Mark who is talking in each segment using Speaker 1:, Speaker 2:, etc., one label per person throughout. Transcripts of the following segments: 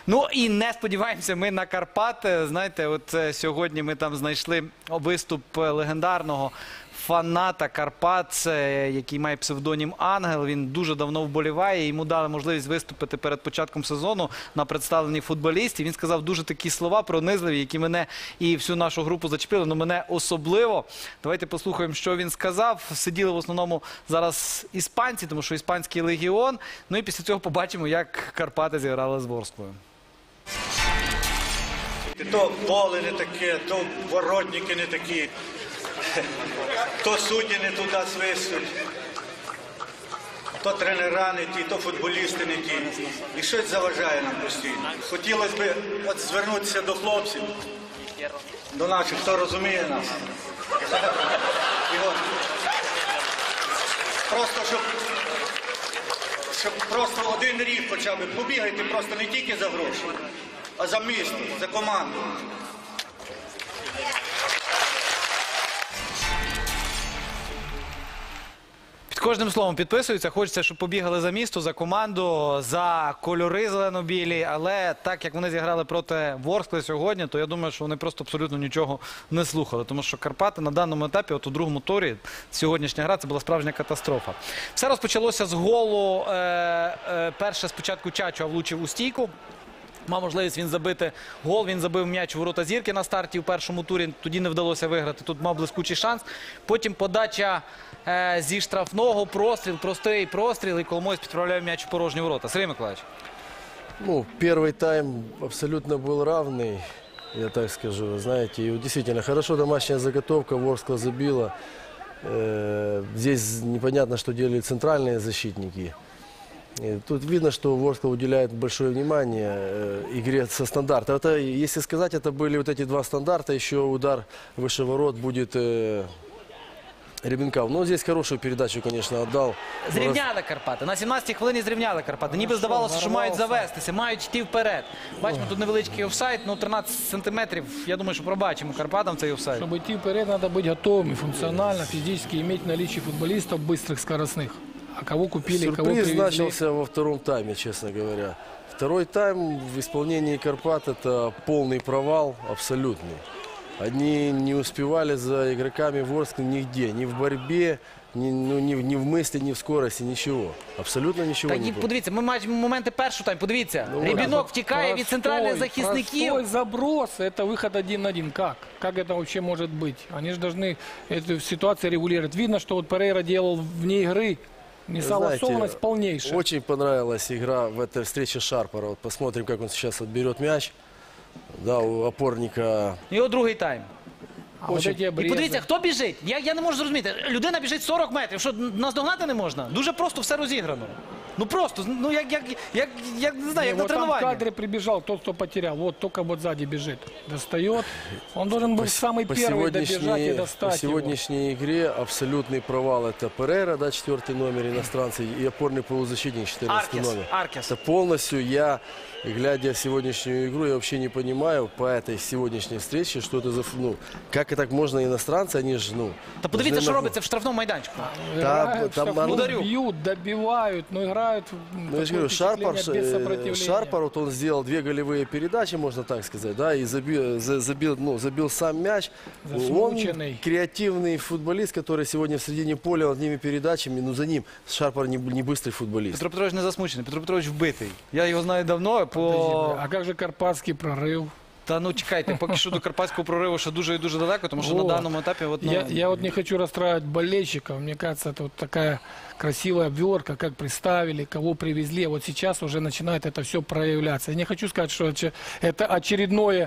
Speaker 1: Ну і не сподіваємося ми на Карпати. Знаєте, от сьогодні ми там знайшли виступ легендарного фаната Карпат, який має псевдонім Ангел. Він дуже давно вболіває. Йому дали можливість виступити перед початком сезону на представленні футболістів. Він сказав дуже такі слова пронизливі, які мене і всю нашу групу зачепили, але мене особливо. Давайте послухаємо, що він сказав. Сиділи в основному зараз іспанці, тому що іспанський легіон. Ну і після цього побачимо, як Карпати зіграли з Ворсклою.
Speaker 2: То поле не таке, то воротники не такі, то судді не туди свистуть, то тренера не ті, то футболісти не ті. І щось заважає нам постійно. Хотілося б от звернутися до хлопців, до наших, хто розуміє нас. І от, просто, щоб просто один рік хоча б побігайте просто не тільки за гроші, а за місто, за команду.
Speaker 1: Під кожним словом підписуються. Хочеться, щоб побігали за місто, за команду, за кольори зелено-білі. Але так, як вони зіграли проти Ворскли сьогодні, то я думаю, що вони просто абсолютно нічого не слухали. Тому що Карпати на даному етапі, от у другому турі, сьогоднішня гра, це була справжня катастрофа. Все розпочалося з голу. Перше спочатку Чачо влучив у стійку. Мав можливість він забити гол, він забив м'яч у ворота Зірки на старті у першому турі, тоді не вдалося виграти, тут мав блискучий шанс. Потім подача зі штрафного, простріл, простий простріл, і Коломойсь підправляє м'яч у порожні ворота. Сергій Миколаївич.
Speaker 3: Ну, первый тайм абсолютно был равный, я так скажу, знаете. И действительно, хорошо домашняя заготовка, Ворскла забила. Здесь непонятно, что делали центральные защитники. И тут видно, что Ворскла уделяет большое внимание игре со стандарта. Это, если сказать, это были вот эти два стандарта, еще удар выше ворот будет Ребенков. Но здесь хорошую передачу, конечно, отдал.
Speaker 1: Зрівняли Карпати. На 17-й хвилині зрівняли Карпати. Ніби здавалося, що мають завестися, мають йти вперед. Бачимо, тут невеличкий офсайд, ну 13 сантиметрів. Я думаю, що пробачимо Карпатам цей офсайд.
Speaker 4: Чтобы идти вперед, надо быть готовыми функционально, физически, иметь наличие футболистов быстрых, скоростных. А кого купили, кого
Speaker 3: Сюрприз
Speaker 4: привезли?
Speaker 3: начался во втором тайме, честно говоря. Второй тайм в исполнении Карпат — это полный провал абсолютный. Они не успевали за игроками Ворскли нигде, ни в борьбе, ни в мысли, ни в скорости, ничего. Абсолютно ничего
Speaker 1: Так,
Speaker 3: не было.
Speaker 1: подивіться, ми маємо моменти першого тайму. Подивіться, Рібінок втікає від центральних захисників.
Speaker 4: Простой заброс, это выход 1-1. Как? Как это вообще может быть? Они же должны эту ситуацию регулировать. Видно, что вот Перейра делал вне игры. Несогласованность полнейшая.
Speaker 3: Очень понравилась игра в этой встрече Шарпара. Вот посмотрим, как он сейчас отберет мяч. Да, у опорника.
Speaker 1: Його другий тайм.
Speaker 4: А вот эти
Speaker 1: І
Speaker 4: обрезы.
Speaker 1: подивіться, хто біжить. Я не можу зрозуміти. Людина біжить 40 метрів. Що, наздогнати не можна? Дуже просто все розіграно. Ну просто, ну як не знаю, як на
Speaker 4: Вот там в
Speaker 1: тренуванні.
Speaker 4: кадре прибежал тот, кто потерял. Вот только вот сзади бежит. Достает. Он должен был самый первый добежать и
Speaker 3: По
Speaker 4: достать его.
Speaker 3: сегодняшней игре абсолютный провал. Это Перейра, да, 4-й номер иностранцы, и опорный полузащитник, 14-й номер.
Speaker 1: Аркес.
Speaker 3: Это полностью глядя в сегодняшнюю игру, я вообще не понимаю по этой сегодняшней встрече, что это за... Ну, как и так можно иностранцы, они же, ну...
Speaker 1: Та подивіться,
Speaker 3: должны
Speaker 1: що
Speaker 3: на-
Speaker 1: робиться в штрафному майданчику.
Speaker 4: Играют,
Speaker 3: там
Speaker 4: штрафную
Speaker 1: ударю.
Speaker 4: бьют, добивают, но играют.
Speaker 3: Ну, я же говорю,
Speaker 4: такое впечатление без сопротивления.
Speaker 3: Шарпар, вот он сделал 2 голевые передачи, можно так сказать, да, и забил сам мяч. Он
Speaker 4: Засмученный.
Speaker 3: креативный футболист, который сегодня в середине поля над ними передачами, но за ним Шарпар не быстрый футболист.
Speaker 1: Петро Петрович не засмучений, Петро Петрович вбитий. Я його знаю давно, по...
Speaker 4: А как же карпатский прорыв?
Speaker 1: Та ну чекайте, поки що до карпатського прориву ще дуже і дуже далеко, тому що на
Speaker 4: Вот.
Speaker 1: даному етапі... От, ну...
Speaker 4: Я вот не хочу расстраивать болельщиков. Мне кажется, это вот такая красивая обверка, как представили, кого привезли. Вот сейчас уже начинает это все проявляться. Я не хочу сказать, что это очередное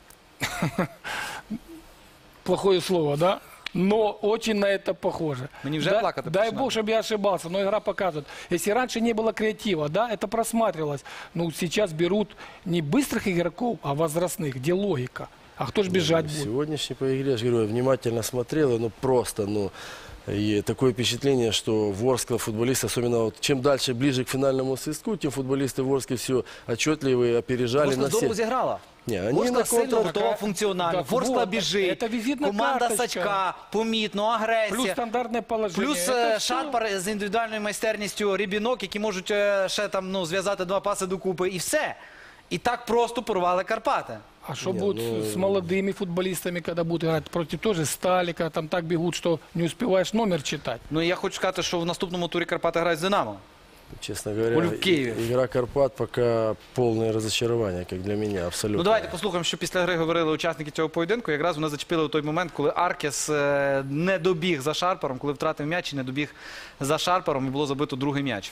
Speaker 4: плохое слово, да? Но очень на это похоже.
Speaker 1: Мне уже плакать
Speaker 4: дай
Speaker 1: начинает.
Speaker 4: бог, чтобы я ошибался, но игра показывает. Если раньше не было креатива, да, это просматривалось. Ну, сейчас берут не быстрых игроков, а возрастных, где логика. А кто ж бежать будет?
Speaker 3: Сегодняшний по игре, я же говорю, я внимательно смотрел, и, ну просто, ну... И такое впечатление, что Ворскла футболисты, особенно вот, чем дальше, ближе к финальному свистку, тем футболисты Ворски все отчетливые, опережали
Speaker 1: Ворскла
Speaker 3: на
Speaker 1: здорово
Speaker 3: всех.
Speaker 1: зіграла.
Speaker 3: Не, они
Speaker 1: Ворскла
Speaker 3: на
Speaker 1: сильно
Speaker 3: контр...
Speaker 1: готова функціонально.
Speaker 4: Так
Speaker 1: Ворскла
Speaker 4: вот,
Speaker 1: біжить.
Speaker 4: це візитна
Speaker 1: Команда
Speaker 4: карточка.
Speaker 1: Сачка, помітно, агресія.
Speaker 4: Плюс стандартное положение.
Speaker 1: Плюс
Speaker 4: Это всё.
Speaker 1: Шарпар з індивідуальною майстерністю, Рібінок, які можуть ще там, ну, зв'язати два паси докупи. І все. і так просто порвали Карпати.
Speaker 4: А что будет с молодыми футболистами, когда будут играть против тоже Стали, когда там так бегут, что не успеваешь номер читать?
Speaker 1: Ну і я хочу сказати, що в наступному турі Карпати грають з «Динамо».
Speaker 3: Честно говоря,
Speaker 1: в Киеве.
Speaker 3: игра Карпат пока полное разочарование, как для меня, абсолютно.
Speaker 1: Ну давайте послухаємо, що після гри говорили учасники цього поєдинку. Якраз вони зачепили у той момент, коли Аркес не добіг за Шарпером, коли втратив м'яч і не добіг за Шарпером, і було забито другий м'яч.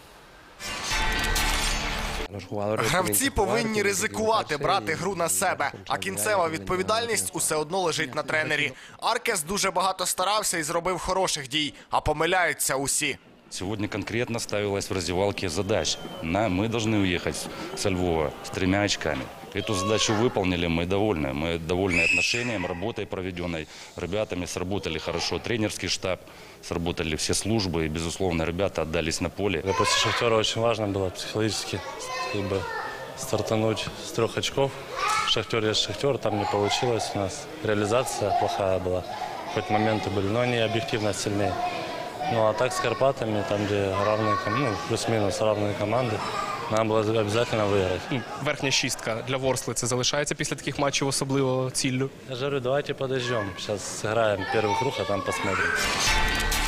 Speaker 5: Гравці повинні ризикувати, брати гру на себе, а кінцева відповідальність усе одно лежить на тренері. Аркес дуже багато старався і зробив хороших дій, а помиляються усі.
Speaker 6: Сегодня конкретно ставилась в раздевалке задача. Мы должны уехать со Львова с 3 очками. Эту задачу выполнили, мы довольны. Мы довольны отношением, работой проведенной. Ребятами сработали хорошо тренерский штаб, сработали все службы. И, безусловно, ребята отдались на поле.
Speaker 7: После «Шахтера» очень важно было психологически стартануть с 3 очков. «Шахтер» есть «Шахтер», там не получилось у нас. Реализация плохая была. Хоть моменты были, но они объективно сильнее. Ну а так с Карпатами, там где равные, плюс-минус равные команды, нам було обов'язково виграти.
Speaker 8: Верхня шістка для Ворскли це залишається після таких матчів особливо ціллю.
Speaker 7: Я же говорю, давайте подождем. Сейчас сыграем первый круг, а там посмотрим.